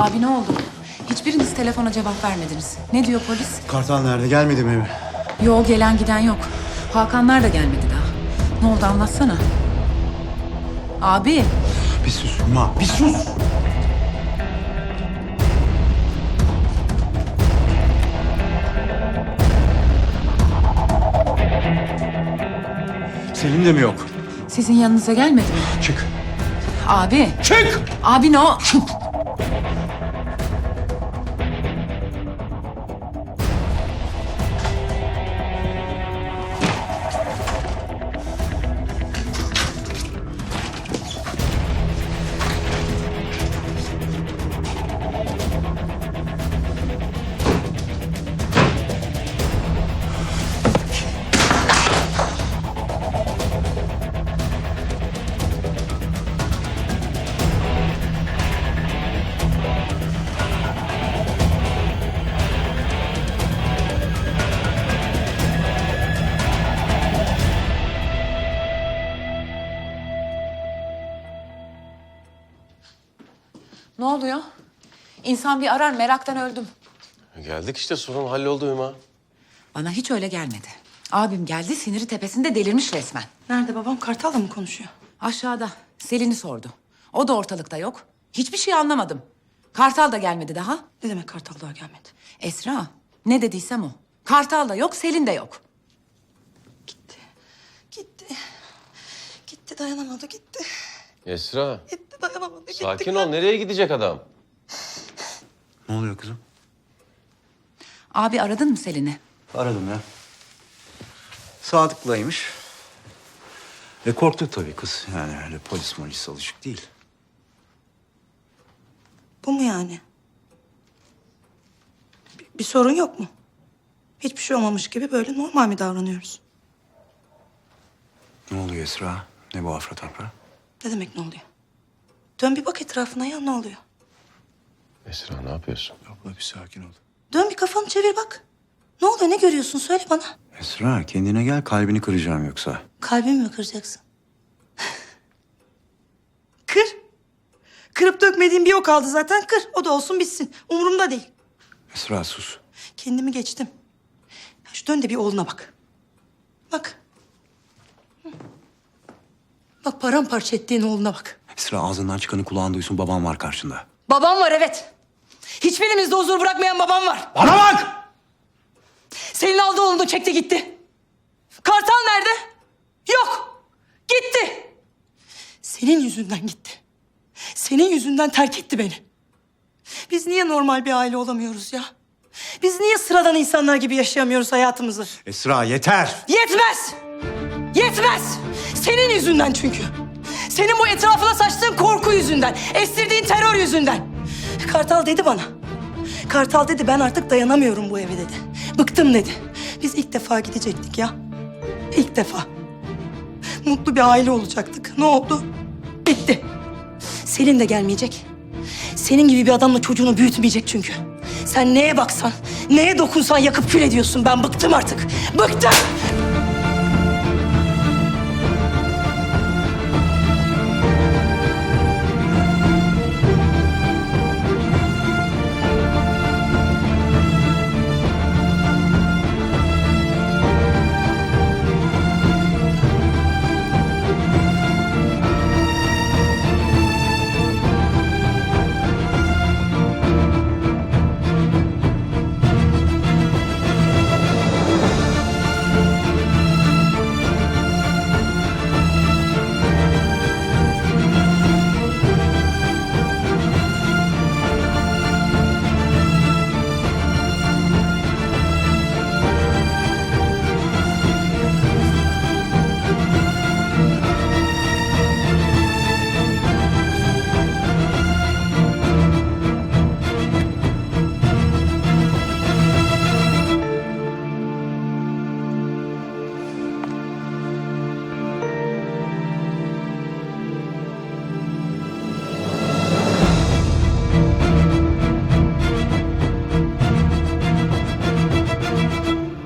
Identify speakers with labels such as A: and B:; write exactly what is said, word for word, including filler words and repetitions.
A: Abi ne oldu? Hiçbiriniz telefona cevap vermediniz. Ne diyor polis?
B: Kartal nerede? Gelmedi mi eve?
A: Yo, gelen giden yok. Hakanlar da gelmedi daha. Ne oldu anlatsana. Abi.
B: Bir sus Hüma, bir sus! Selim de mi yok?
A: Sizin yanınıza gelmedi mi?
B: Çık!
A: Abi.
B: Çık!
A: Abi ne o? Ne oluyor? İnsan bir arar, meraktan öldüm.
C: Geldik işte, sorun halloldu Hüma.
A: Bana hiç öyle gelmedi. Abim geldi, siniri tepesinde delirmiş resmen.
D: Nerede babam? Kartal'la mı konuşuyor?
A: Aşağıda. Selin'i sordu. O da ortalıkta yok. Hiçbir şey anlamadım. Kartal da gelmedi daha.
D: Ne demek Kartal daha gelmedi?
A: Esra, ne dediysem o. Kartal da yok, Selin de yok.
D: Gitti. Gitti. Gitti dayanamadı gitti.
C: Esra,
D: Gitti dayanamadı gitti.
C: sakin ol. Nereye gidecek adam?
B: Ne oluyor kızım?
A: Abi aradın mı Selin'i?
B: Aradım ya. Sadık'laymış. E korktu tabii kız. Yani öyle polis polis alışık değil.
D: Bu mu yani? Bir, bir sorun yok mu? Hiçbir şey olmamış gibi böyle normal mi davranıyoruz?
B: Ne oluyor Esra? Ne bu afra tafra?
D: Ne demek ne oluyor? Dön bir bak etrafına ya ne oluyor?
C: Esra, ne yapıyorsun?
B: Abla bir sakin ol.
D: Dön bir kafanı çevir bak. Ne oluyor ne görüyorsun söyle bana.
B: Esra kendine gel, kalbini kıracağım yoksa.
D: Kalbimi mi kıracaksın? Kır. Kırıp dökmediğim bir o kaldı zaten kır. O da olsun bitsin. Umurumda değil.
B: Esra sus.
D: Kendimi geçtim. Ya şu dön de bir oğluna bak. Bak. Hı. Bak paramparça ettiğin oğluna bak.
B: Esra ağzından çıkanı kulağın duysun, babam var karşında.
D: Babam var evet. Hiçbirimizde huzur bırakmayan babam var.
B: Bana bak!
D: Senin aldı oğlunu da çekti gitti. Kartal nerede? Yok. Gitti. Senin yüzünden gitti. Senin yüzünden terk etti beni. Biz niye normal bir aile olamıyoruz ya? Biz niye sıradan insanlar gibi yaşayamıyoruz hayatımızı?
B: Esra yeter!
D: Yetmez! Yetmez! Senin yüzünden çünkü. Senin bu etrafına saçtığın korku yüzünden, estirdiğin terör yüzünden. Kartal dedi bana. Kartal dedi ben artık dayanamıyorum bu eve dedi. Bıktım dedi. Biz ilk defa gidecektik ya. İlk defa. Mutlu bir aile olacaktık. Ne oldu? Bitti. Selin de gelmeyecek. Senin gibi bir adamla çocuğunu büyütmeyecek çünkü. Sen neye baksan, neye dokunsan yakıp kül ediyorsun. Ben bıktım artık. Bıktım!